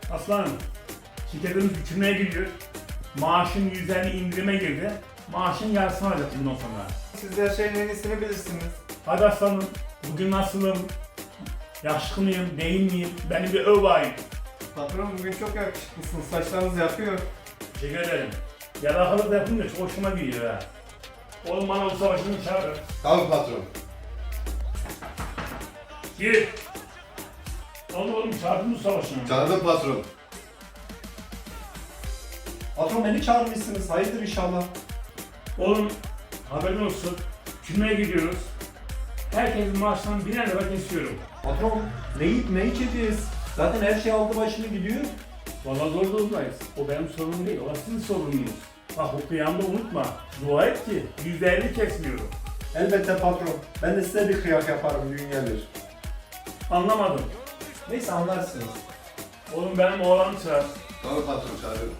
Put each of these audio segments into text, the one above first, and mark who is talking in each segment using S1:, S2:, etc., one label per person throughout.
S1: Aslanım, şirketimiz küçülmeye gidiyor. Maaşın %50 indirime girdi. Maaşın yarısını alacak bundan sonra.
S2: Siz her şeyin en iyisini bilirsiniz.
S1: Hadi aslanım, bugün nasılım? Yakışıklı mıyım, değil miyim? Beni bir öv bakayım.
S2: Patron bugün çok yakışıklısınız. Saçlarınız yakıyor.
S1: Teşekkür ederim. Yalakalık da yapınca çok hoşuma gidiyor ha. Oğlum bana bu savaşını çağırın.
S3: Tamam patron.
S1: Gir. Oğlum çağırdın bu savaşını.
S3: Çağırdım patron.
S4: Patron beni çağırmışsınız. Hayırdır inşallah.
S1: Oğlum haberin olsun. Küçülmeye gidiyoruz. Herkesin maaşından biner lira kesiyorum.
S4: Patron ne yiyip ne içeceğiz? Zaten her şey aldı başını gidiyor.
S1: Vallahi zor durumdayız. O benim sorunum değil, o sizin sorununuz. Bak bu kıyamda unutma. Dua et ki %50 kesmiyorum.
S4: Elbette patron. Ben de size bir kıyak yaparım gün gelir.
S1: Anlamadım.
S4: Neyse anlarsınız.
S1: Oğlum benim oğlanı çağır.
S3: Tamam patron çağırıyorum.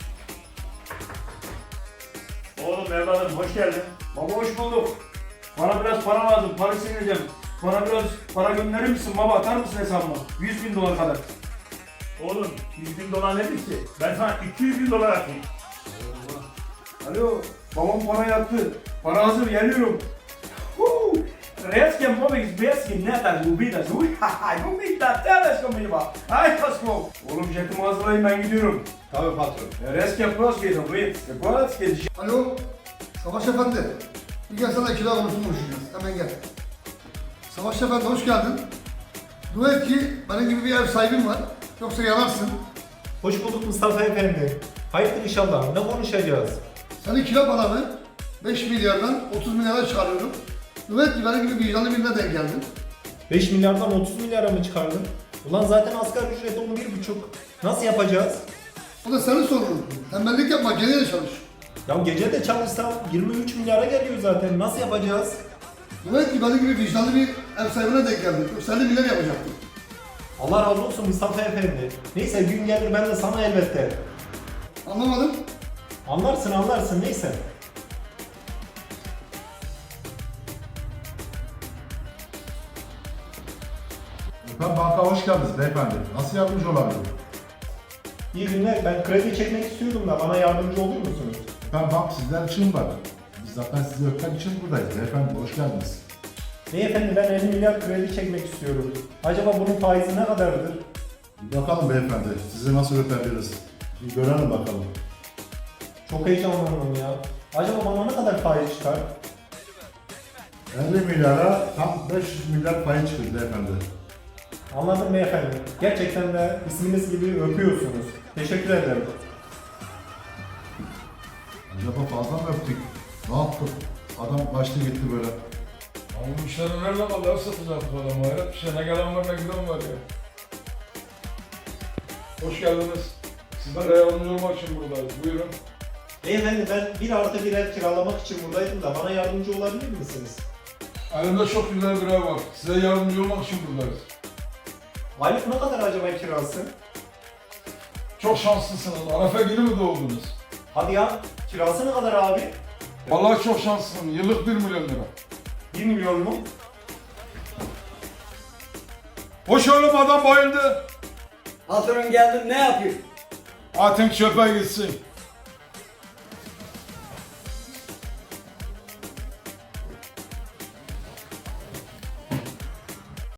S1: Oğlum evladım hoş geldin.
S5: Baba hoş bulduk. Bana biraz para lazım, para sileceğim. Bana biraz para gönderir misin baba, atar mısın hesabıma? 100.000 dolar kadar.
S1: Oğlum 100.000 dolar nedir ki? Ben sana 200.000 dolar atayım.
S5: Alo, babam para yattı. Para hazır, geliyorum. Resken móvil beskin netas gubidas. Uy, gubita, teles comigo. Ay, Tasco. Oğlum jetimi hazırlayın, ben gidiyorum.
S3: Tamam patron.
S5: Resken proskedo, wait. Proskedo.
S6: Alo, Savaş Efendi. Bir gel sana kira konusunu konuşacağız. Hemen gel. Savaş Efendi hoş geldin. Dua et ki benim gibi bir ev sahibim var. Yoksa yanarsın.
S4: Hoş bulduk Mustafa Efendi. Hayırdır inşallah. Ne konuşacağız?
S6: Senin kira paranı 5 milyardan 30 milyara çıkarıyorum. Dua et ki benim gibi vicdanlı birine denk geldin.
S4: 5 milyardan 30 milyara mı çıkardın? Ulan zaten asgari ücret 11,5. Nasıl yapacağız?
S6: O da senin sorunun. Tembellik yapma, geriye çalış.
S4: Ya gece de çalışsam 23 milyara geliyor zaten. Nasıl yapacağız?
S6: Dua et ki benim gibi vicdanlı bir ev sahibine denk geldin. Yoksa 50 milyar yapacaktın.
S4: Allah razı olsun Mustafa Efendi. Neyse gün gelir ben de sana elbette.
S6: Anlamadım.
S4: Anlarsın neyse.
S7: Ben banka hoş geldiniz beyefendi. Nasıl yardımcı olabilirim?
S4: İyi günler. Ben kredi çekmek istiyordum da bana yardımcı olur musunuz?
S7: Ben bank sizler için var. Biz zaten sizi öpmek için buradayız beyefendi. Hoş geldiniz.
S4: Beyefendi ben 50 milyar kredi çekmek istiyorum. Acaba bunun faizi ne kadardır?
S7: Bir bakalım beyefendi. Sizi nasıl öpebiliriz? Bir görelim bakalım.
S4: Çok heyecanlandım ya. Acaba bana ne kadar faiz çıkar?
S7: 50 milyara tam 500 milyar payı çıkıyor beyefendi.
S4: Anladım beyefendi. Gerçekten de isminiz gibi öpüyorsunuz. Teşekkür ederim.
S7: Acaba fazla mı öptük? Ne yaptık? Adam kaçtı gitti böyle.
S8: Ama bu işleri nerede kaldı? Ev satacaktık adamı. Hayret bir şey. Ne gelen var ne giden var ya. Hoş geldiniz. Sizlere yardımcı olmak için buradayız. Buyurun.
S4: Beyefendi ben 1+1 ev kiralamak için buradaydım da bana yardımcı olabilir misiniz?
S8: Elimde çok güzel bir ev var. Size yardımcı olmak için buradayız.
S4: Aylık ne kadar acaba kirası?
S8: Çok şanslısınız. Arefe günü mü doğdunuz?
S4: Hadi ya kirası ne kadar abi?
S8: Vallahi çok şanslısın. Yıllık 1 milyon lira.
S4: 1 milyon mu?
S8: Hoş oğlum adam bayıldı.
S9: Patron geldim ne yapayım?
S8: Atın çöpe gitsin.